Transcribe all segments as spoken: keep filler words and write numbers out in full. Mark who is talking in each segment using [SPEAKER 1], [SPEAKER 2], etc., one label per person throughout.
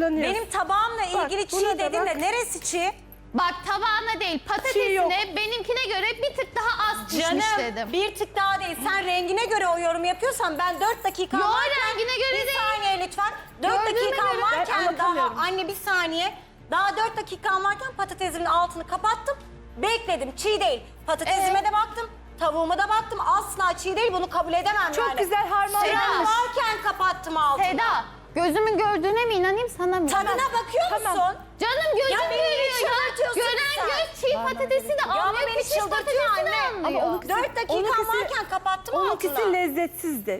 [SPEAKER 1] zorlanıyorsun.
[SPEAKER 2] Benim tabağımla ilgili
[SPEAKER 1] Bak,
[SPEAKER 2] çiğ
[SPEAKER 1] buna da
[SPEAKER 2] dedin
[SPEAKER 1] bak.
[SPEAKER 2] de neresi çiğ?
[SPEAKER 3] Bak tabağına değil patatesine benimkine göre bir tık daha az pişmiş
[SPEAKER 2] Canım
[SPEAKER 3] dedim.
[SPEAKER 2] bir tık daha değil. Sen rengine göre o yorum yapıyorsan ben dört dakika
[SPEAKER 3] Yo,
[SPEAKER 2] varken...
[SPEAKER 3] rengine göre
[SPEAKER 2] bir
[SPEAKER 3] değil.
[SPEAKER 2] saniye lütfen. dört
[SPEAKER 3] Gördüğüme
[SPEAKER 2] dakika
[SPEAKER 3] göre.
[SPEAKER 1] Ben
[SPEAKER 2] varken daha...
[SPEAKER 1] anlatamıyorum.
[SPEAKER 2] Anne bir saniye. Daha dört dakika varken patatesimin altını kapattım. Bekledim. Çiğ değil. Patatesime
[SPEAKER 3] Evet.
[SPEAKER 2] de baktım. Tavuğuma da baktım. Asla çiğ değil. Bunu kabul edemem
[SPEAKER 1] Çok
[SPEAKER 2] yani.
[SPEAKER 1] güzel harmanlanmış.
[SPEAKER 2] Süren varken kapattım altını.
[SPEAKER 3] Seda gözümün gördüğüne mi inanayım sana mı?
[SPEAKER 2] Tadına bakıyor musun?
[SPEAKER 1] Tamam.
[SPEAKER 3] Canım gözüm
[SPEAKER 2] Ya beni
[SPEAKER 3] görüyor ya.
[SPEAKER 2] çıldırtıyorsun
[SPEAKER 3] Gören
[SPEAKER 2] sen.
[SPEAKER 3] göz çiğ patatesi de
[SPEAKER 2] Ya ama
[SPEAKER 3] anlıyor.
[SPEAKER 2] beni
[SPEAKER 3] Pişmiş
[SPEAKER 2] çıldırtıyor
[SPEAKER 3] patatesi de
[SPEAKER 2] anne.
[SPEAKER 3] anlıyor.
[SPEAKER 1] Ama onu-
[SPEAKER 2] Dört dakika
[SPEAKER 1] Onunkisi-
[SPEAKER 2] varken kapattım altını.
[SPEAKER 1] Onunkisi lezzetsizdi.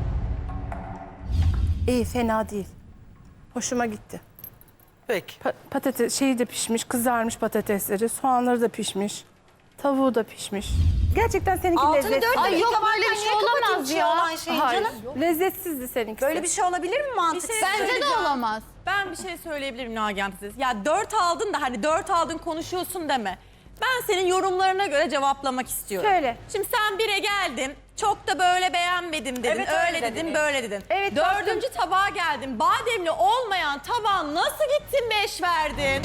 [SPEAKER 1] İyi, fena değil. Hoşuma gitti.
[SPEAKER 4] Peki.
[SPEAKER 1] Pa- patates şeyi de pişmiş, kızarmış patatesleri, soğanları da pişmiş. Tavuğu da pişmiş. Gerçekten seninki
[SPEAKER 2] Altını
[SPEAKER 1] lezzetli.
[SPEAKER 2] dört
[SPEAKER 3] Ay
[SPEAKER 2] dakika
[SPEAKER 3] yok, böyle
[SPEAKER 2] varken
[SPEAKER 3] bir şey
[SPEAKER 2] niye kapatayım
[SPEAKER 3] olamaz
[SPEAKER 2] çiğ
[SPEAKER 3] ya.
[SPEAKER 2] olan şeyi
[SPEAKER 1] Hayır,
[SPEAKER 2] canım?
[SPEAKER 1] lezzetsizdi seninkisi.
[SPEAKER 2] Böyle bir şey olabilir mi mantıksız?
[SPEAKER 5] şey
[SPEAKER 3] Bence de
[SPEAKER 5] söyleyeceğim.
[SPEAKER 3] olamaz.
[SPEAKER 5] Ben bir şey söyleyebilirim Nagihan teyze. Ya dört aldın da hani dört aldın konuşuyorsun deme. Ben senin yorumlarına göre cevaplamak istiyorum.
[SPEAKER 1] Söyle.
[SPEAKER 5] Şimdi sen bire geldin. Çok da böyle beğenmedim dedin.
[SPEAKER 2] Evet, öyle
[SPEAKER 5] öyle dedin,
[SPEAKER 2] dedin.
[SPEAKER 5] böyle dedin.
[SPEAKER 1] Evet,
[SPEAKER 5] Dördüncü tabağa geldin. Bademli olmayan tabağa nasıl gittin beş verdin?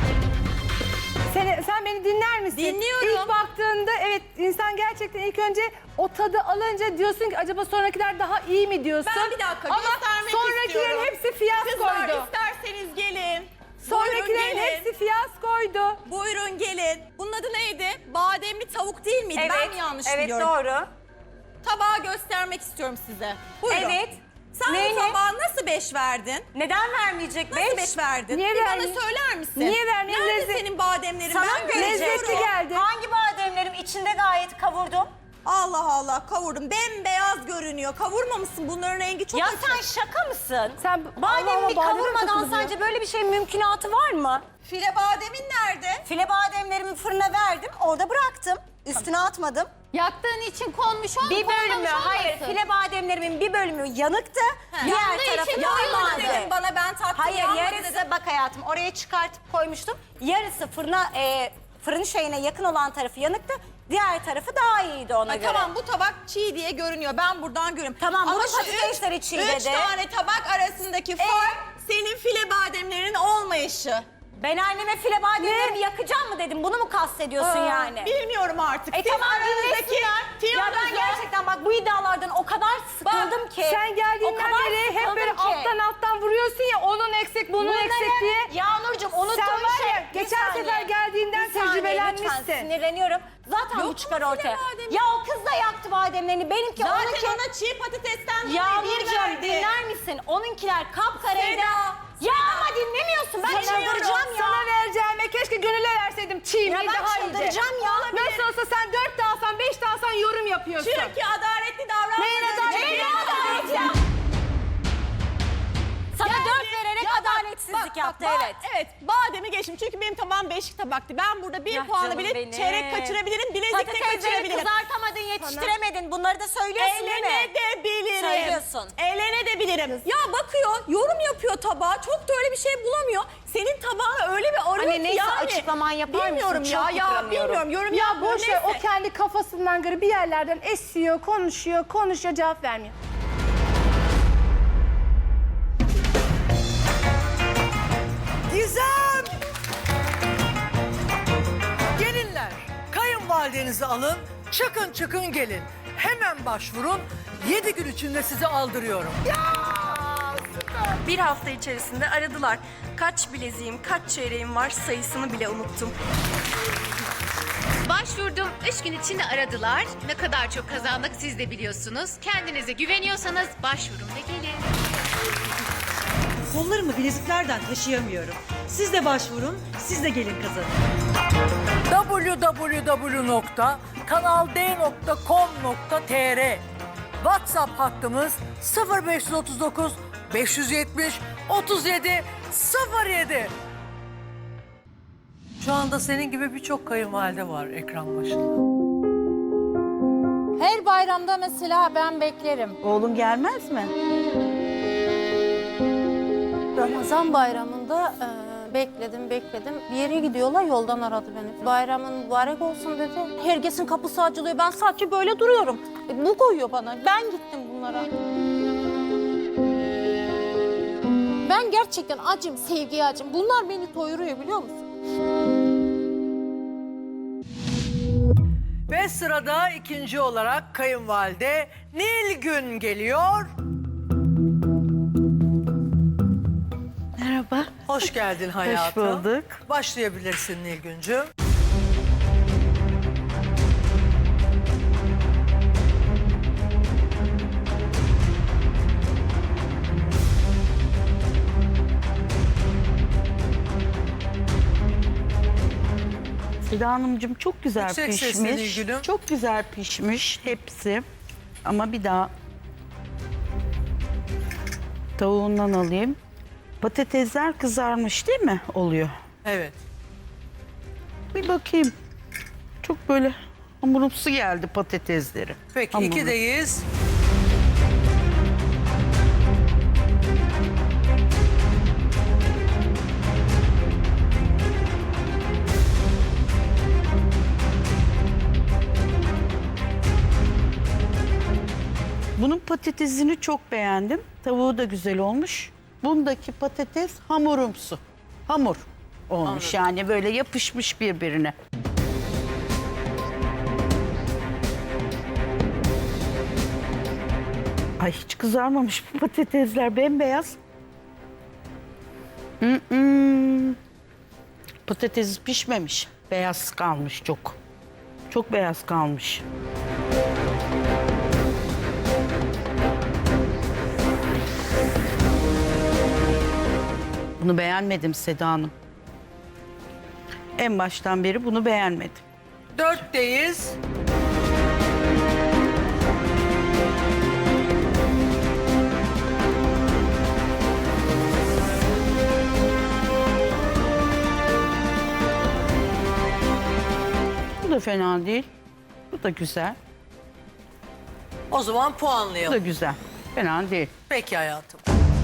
[SPEAKER 1] Sen, sen beni dinler misin?
[SPEAKER 5] Dinliyorum.
[SPEAKER 1] İlk baktığında evet insan gerçekten ilk önce o tadı alınca diyorsun ki acaba sonrakiler daha iyi mi diyorsun?
[SPEAKER 5] Ben bir dakika
[SPEAKER 1] Ama
[SPEAKER 5] göstermek
[SPEAKER 1] sonrakilerin
[SPEAKER 5] istiyorum.
[SPEAKER 1] hepsi
[SPEAKER 5] Kızlar
[SPEAKER 1] fiyaskoydu.
[SPEAKER 5] isterseniz gelin.
[SPEAKER 1] Sonrakilerin
[SPEAKER 5] Buyurun gelin.
[SPEAKER 1] hepsi fiyaskoydu.
[SPEAKER 5] Buyurun gelin. Bunun adı neydi? Bademli tavuk değil miydi? Ben mi yanlış
[SPEAKER 2] evet,
[SPEAKER 5] biliyorum?
[SPEAKER 2] doğru.
[SPEAKER 5] Tabağı göstermek istiyorum size. Buyurun.
[SPEAKER 2] Evet.
[SPEAKER 5] Sen
[SPEAKER 2] Neyini?
[SPEAKER 5] bu tabağa nasıl beş verdin?
[SPEAKER 2] Neden vermeyecek
[SPEAKER 5] Nasıl
[SPEAKER 2] beş?
[SPEAKER 5] beş verdin?
[SPEAKER 1] Niye
[SPEAKER 5] Bir
[SPEAKER 1] vermeyeyim?
[SPEAKER 5] bana söyler misin?
[SPEAKER 1] Niye vermeyeyim?
[SPEAKER 5] Nerede
[SPEAKER 1] Lezzet-
[SPEAKER 5] senin bademlerin?
[SPEAKER 2] Sana
[SPEAKER 5] ben
[SPEAKER 2] mı
[SPEAKER 5] göreceğim.
[SPEAKER 1] Lezzetli geldi.
[SPEAKER 2] Hangi bademlerim içinde gayet kavurdum?
[SPEAKER 5] Allah Allah kavurdum. Bembeyaz görünüyor. Kavurmamışsın. Bunların rengi çok
[SPEAKER 2] Ya
[SPEAKER 5] açık.
[SPEAKER 2] sen şaka mısın?
[SPEAKER 1] Sen
[SPEAKER 2] Bademi
[SPEAKER 1] Allah'ıma
[SPEAKER 2] bir
[SPEAKER 1] bademe
[SPEAKER 2] kavurmadan
[SPEAKER 1] takıldı ya.
[SPEAKER 2] sence böyle bir şeyin mümkünatı var mı?
[SPEAKER 5] File bademin nerede?
[SPEAKER 2] File bademlerimi fırına verdim, orada bıraktım. Üstüne atmadım.
[SPEAKER 3] Yaktığın için konmuş olmuş.
[SPEAKER 2] Bir bölümü,
[SPEAKER 3] olmamış
[SPEAKER 2] hayır
[SPEAKER 3] olmasın.
[SPEAKER 2] file bademlerimin bir bölümü yanıktı. Diğer
[SPEAKER 3] Yandığı
[SPEAKER 2] tarafı
[SPEAKER 3] için
[SPEAKER 2] normaldi.
[SPEAKER 3] koyulmadı.
[SPEAKER 5] Bana ben taktım.
[SPEAKER 2] Hayır,
[SPEAKER 5] yanmadı
[SPEAKER 2] yarısı
[SPEAKER 5] dedim.
[SPEAKER 2] bak hayatım oraya çıkartıp koymuştum. Yarısı fırına, e, fırın şeyine yakın olan tarafı yanıktı. Diğer tarafı daha iyiydi ona
[SPEAKER 5] Ha,
[SPEAKER 2] göre.
[SPEAKER 5] tamam bu tabak çiğ diye görünüyor. Ben buradan görüyorum.
[SPEAKER 2] Tamam,
[SPEAKER 5] Ama
[SPEAKER 2] bunun
[SPEAKER 5] şu
[SPEAKER 2] patatesleri
[SPEAKER 5] üç-
[SPEAKER 2] çiğ
[SPEAKER 5] Üç
[SPEAKER 2] dedi.
[SPEAKER 5] tane tabak arasındaki fark senin file bademlerin olmayışı.
[SPEAKER 2] Ben anneme file bademlerimi yakacağım mı dedim. Bunu mu kastediyorsun yani?
[SPEAKER 5] Bilmiyorum artık.
[SPEAKER 2] E
[SPEAKER 5] Siz
[SPEAKER 2] tamam
[SPEAKER 5] aranızdaki
[SPEAKER 2] dinlesinler. Ya ben
[SPEAKER 5] tiyonuzu-
[SPEAKER 2] gerçekten bak bu iddialardan o kadar sıkıldım ki.
[SPEAKER 1] Sen
[SPEAKER 2] o
[SPEAKER 1] geldiğinden
[SPEAKER 2] kadar
[SPEAKER 1] beri hep
[SPEAKER 2] sıkıldım
[SPEAKER 1] böyle
[SPEAKER 2] ki.
[SPEAKER 1] alttan alttan vuruyorsun ya onun eksik bunun
[SPEAKER 2] Bunları-
[SPEAKER 1] eksik diye.
[SPEAKER 2] Ya Nurcuğum unuttuğun
[SPEAKER 1] Sen var
[SPEAKER 2] şey.
[SPEAKER 1] ya,
[SPEAKER 2] Bir
[SPEAKER 1] geçen
[SPEAKER 2] saniye.
[SPEAKER 1] sefer geldiğinden
[SPEAKER 2] Bir saniye,
[SPEAKER 1] tecrübelenmişsin.
[SPEAKER 2] Lütfen sinirleniyorum. Zaten
[SPEAKER 5] Yok
[SPEAKER 2] bu çıkar
[SPEAKER 5] mu
[SPEAKER 2] ortaya.
[SPEAKER 5] file bademi?
[SPEAKER 2] Ya o kız da yaktı bademlerini. Benimki
[SPEAKER 5] Zaten
[SPEAKER 2] onunki...
[SPEAKER 5] ona çiğ patatesten dolayı bir
[SPEAKER 2] Yağmurcuğum
[SPEAKER 5] verdi.
[SPEAKER 2] dinler misin? Onunkiler kapkaraydı.
[SPEAKER 5] Seda,
[SPEAKER 2] Ya ama dinlemiyorsun. Ben
[SPEAKER 1] Sana,
[SPEAKER 2] çıldıracağım ya.
[SPEAKER 1] sana vereceğime keşke gönüle verseydim çiğ
[SPEAKER 2] Ya
[SPEAKER 1] mi
[SPEAKER 2] ben
[SPEAKER 1] daha iyiydi.
[SPEAKER 2] çıldıracağım ya.
[SPEAKER 1] Nasıl olsa sen dört de alsan beş de alsan yorum yapıyorsun.
[SPEAKER 5] Çünkü adaletli davranmadığın
[SPEAKER 1] Neyin adaleti?
[SPEAKER 5] için-
[SPEAKER 1] Neyin adaleti ya?
[SPEAKER 2] Sana
[SPEAKER 5] Yani-
[SPEAKER 2] dört vererek
[SPEAKER 5] Ya bak,
[SPEAKER 2] adaletsizlik
[SPEAKER 5] bak, bak,
[SPEAKER 2] yaptı
[SPEAKER 5] ba-
[SPEAKER 2] evet.
[SPEAKER 5] Evet bademi geçtim çünkü benim tabağım beşik tabaktı. Ben burada bir
[SPEAKER 2] Ya
[SPEAKER 5] puanı
[SPEAKER 2] canım
[SPEAKER 5] bile
[SPEAKER 2] benim.
[SPEAKER 5] çeyrek kaçırabilirim, bilezik de
[SPEAKER 2] Patatesleri
[SPEAKER 5] kaçırabilirim.
[SPEAKER 2] kızartamadın, yetiştiremedin. Bunları da söylüyorsun değil mi?
[SPEAKER 5] Eğlenebilirim.
[SPEAKER 2] Söylüyorsun.
[SPEAKER 5] Eğlenebilirim. Ya bakıyor, yorum yapıyor tabağa. Çok da öyle bir şey bulamıyor. Senin tabağına öyle bir arıyor
[SPEAKER 2] Anne,
[SPEAKER 5] ki
[SPEAKER 2] neyse,
[SPEAKER 5] yani.
[SPEAKER 2] açıklaman yapar mısın?
[SPEAKER 5] Bilmiyorum ya,
[SPEAKER 2] Çok
[SPEAKER 5] ya
[SPEAKER 2] yıpranıyorum.
[SPEAKER 5] bilmiyorum. Yorum
[SPEAKER 1] Ya
[SPEAKER 5] yapmıyor,
[SPEAKER 1] boş ver o
[SPEAKER 5] neyse.
[SPEAKER 1] kendi kafasından göre bir yerlerden esiyor, konuşuyor, konuşuyor, cevap vermiyor.
[SPEAKER 4] Gizem! Gelinler, kayınvalidenizi alın, çıkın çıkın gelin. Hemen başvurun, yedi gün içinde sizi aldırıyorum.
[SPEAKER 6] Bir hafta içerisinde aradılar. Kaç bileziğim, kaç çeyreğim var sayısını bile unuttum.
[SPEAKER 7] Başvurdum, üç gün içinde aradılar. Ne kadar çok kazandık siz de biliyorsunuz. Kendinize güveniyorsanız başvurun ve gelin.
[SPEAKER 8] Kollarımı bileziklerden taşıyamıyorum. Siz de başvurun, siz de gelin kazanın.
[SPEAKER 4] w w w nokta kanal d nokta com nokta t r WhatsApp hattımız sıfır beş otuz dokuz beş yüz yetmiş otuz yedi sıfır yedi. Şu anda senin gibi birçok kayınvalide var ekran başında.
[SPEAKER 9] Her bayramda mesela ben beklerim.
[SPEAKER 8] Oğlum gelmez mi?
[SPEAKER 9] Ramazan bayramında e, bekledim bekledim. Bir yere gidiyorlar yoldan aradı beni. Bayramın mübarek olsun dedi. Herkesin kapısı açılıyor. Ben sadece böyle duruyorum. E, bu koyuyor bana. Ben gittim bunlara. Ben gerçekten acım, sevgiye acım. Bunlar beni doyuruyor biliyor musun?
[SPEAKER 4] Ve sırada ikinci olarak kayınvalide Nilgün geliyor.
[SPEAKER 10] Merhaba.
[SPEAKER 4] Hoş geldin hayatım.
[SPEAKER 10] Hoş bulduk.
[SPEAKER 4] Başlayabilirsin Nilgüncüğüm.
[SPEAKER 10] Seda Hanımcığım çok güzel
[SPEAKER 4] Yüksek sesle
[SPEAKER 10] pişmiş.
[SPEAKER 4] Nilgün'üm.
[SPEAKER 10] Çok güzel pişmiş hepsi. Ama bir daha tavuğundan alayım. Patatesler kızarmış değil mi? Oluyor.
[SPEAKER 4] Evet.
[SPEAKER 10] Bir bakayım. Çok böyle hamurumsu geldi patatesleri.
[SPEAKER 4] Peki
[SPEAKER 10] Hamurlu.
[SPEAKER 4] ikideyiz.
[SPEAKER 10] Bunun patatesini çok beğendim. Tavuğu da güzel olmuş. Bundaki patates hamurumsu. Hamur olmuş yani böyle yapışmış birbirine. Ay hiç kızarmamış bu patatesler bembeyaz. Mm-mm. Patates pişmemiş. Beyaz kalmış çok. Çok beyaz kalmış. Bunu beğenmedim Seda Hanım. En baştan beri bunu beğenmedim.
[SPEAKER 4] Dörtteyiz.
[SPEAKER 10] Bu da fena değil. Bu da güzel.
[SPEAKER 4] O zaman
[SPEAKER 10] Bu
[SPEAKER 4] puanlayalım.
[SPEAKER 10] da güzel. Fena değil.
[SPEAKER 4] Peki hayatım.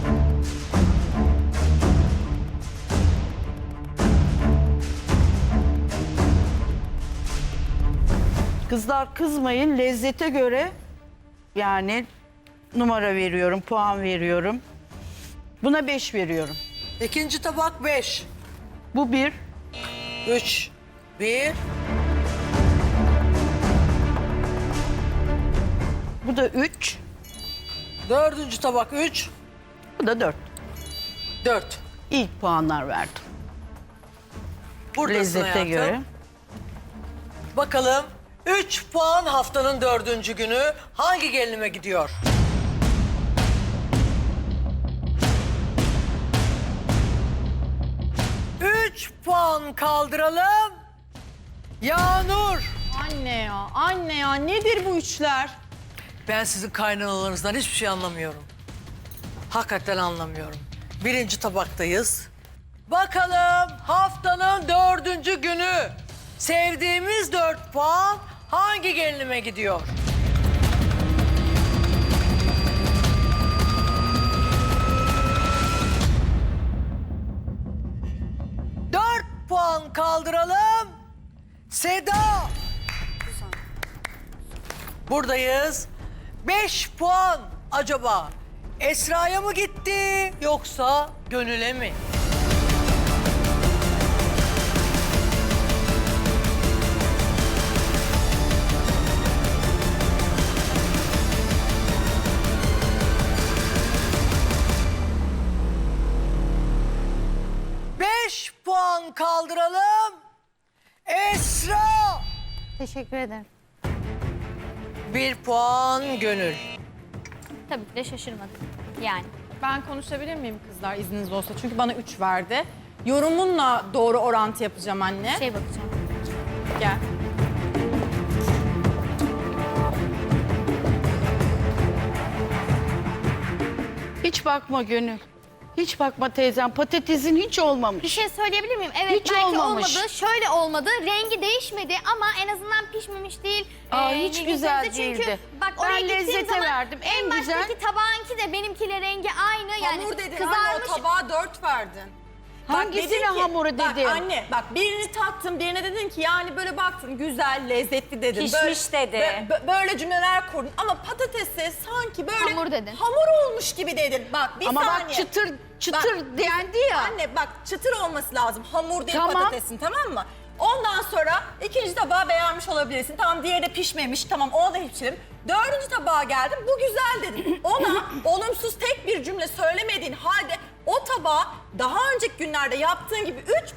[SPEAKER 10] Kızlar kızmayın. Lezzete göre yani numara veriyorum, puan veriyorum. Buna beş veriyorum.
[SPEAKER 4] İkinci tabak beş.
[SPEAKER 10] Bu bir.
[SPEAKER 4] Üç. Bir.
[SPEAKER 10] Bu da üç.
[SPEAKER 4] Dördüncü tabak üç.
[SPEAKER 10] Bu da dört.
[SPEAKER 4] Dört.
[SPEAKER 10] İlk puanlar verdim.
[SPEAKER 4] Buradasın
[SPEAKER 10] Lezzete
[SPEAKER 4] hayatım.
[SPEAKER 10] göre.
[SPEAKER 4] Bakalım üç puan haftanın dördüncü günü hangi gelinime gidiyor? Üç puan kaldıralım. Yağnur.
[SPEAKER 5] Anne ya, anne ya nedir bu üçler?
[SPEAKER 4] Ben sizin kaynanalarınızdan hiçbir şey anlamıyorum. Hakikaten anlamıyorum. Birinci tabaktayız. Bakalım haftanın dördüncü günü sevdiğimiz dört puan hangi gelinime gidiyor? Dört puan kaldıralım. Seda. Buradayız. Beş puan acaba Esra'ya mı gitti yoksa Gönül'e mi? Beş puan kaldıralım. Esra.
[SPEAKER 9] Teşekkür ederim.
[SPEAKER 4] Bir puan Gönül.
[SPEAKER 3] Tabii ki de şaşırmadım. Yani.
[SPEAKER 5] Ben konuşabilir miyim kızlar izniniz olsa? Çünkü bana üç verdi. Yorumunla doğru orantı yapacağım anne.
[SPEAKER 3] Şey bakacağım.
[SPEAKER 5] Gel.
[SPEAKER 10] Hiç bakma Gönül. Hiç bakma teyzem. Patatesin hiç olmamış.
[SPEAKER 3] Bir şey söyleyebilir miyim? Evet
[SPEAKER 10] Hiç
[SPEAKER 3] belki
[SPEAKER 10] olmamış.
[SPEAKER 3] olmadı. Şöyle olmadı. Rengi değişmedi ama en azından pişmemiş değil.
[SPEAKER 10] Aa,
[SPEAKER 3] Ee,
[SPEAKER 10] hiç
[SPEAKER 3] Nilgün
[SPEAKER 10] güzel
[SPEAKER 3] teyze. Çünkü
[SPEAKER 10] değildi.
[SPEAKER 3] bak
[SPEAKER 10] Ben
[SPEAKER 3] oraya gittiğim
[SPEAKER 10] lezzete
[SPEAKER 3] zaman
[SPEAKER 10] verdim. En
[SPEAKER 3] en
[SPEAKER 10] güzel-
[SPEAKER 3] baştaki tabağınki de benimkiyle rengi aynı. Yani
[SPEAKER 5] Hamur dedin
[SPEAKER 3] kızarmış.
[SPEAKER 5] anne, o tabağa dört verdin.
[SPEAKER 10] Hangisine
[SPEAKER 5] dedin ki-
[SPEAKER 10] hamuru
[SPEAKER 5] Bak
[SPEAKER 10] dedim?
[SPEAKER 5] anne bak birini tattın, birine dedin ki yani böyle baktın güzel, lezzetli dedin.
[SPEAKER 2] Pişmiş dedi.
[SPEAKER 5] bö- bö- böyle cümleler kurdun ama patatesi sanki böyle
[SPEAKER 3] Hamur dedin.
[SPEAKER 5] hamur olmuş gibi dedin. Bak bir
[SPEAKER 10] Ama
[SPEAKER 5] saniye.
[SPEAKER 10] bak çıtır çıtır
[SPEAKER 5] Bak,
[SPEAKER 10] dendi ya.
[SPEAKER 5] Anne bak çıtır olması lazım. Hamur değil
[SPEAKER 10] Tamam.
[SPEAKER 5] patatesin, tamam mı? Ondan sonra ikinci tabağı beğenmiş olabilirsin. Tamam, diğeri de pişmemiş. Tamam, ona da hiçbirim. Dördüncü tabağa geldim. Bu güzel dedin. Ona olumsuz tek bir cümle söylemediğin halde o tabağı daha önceki günlerde yaptığın gibi üç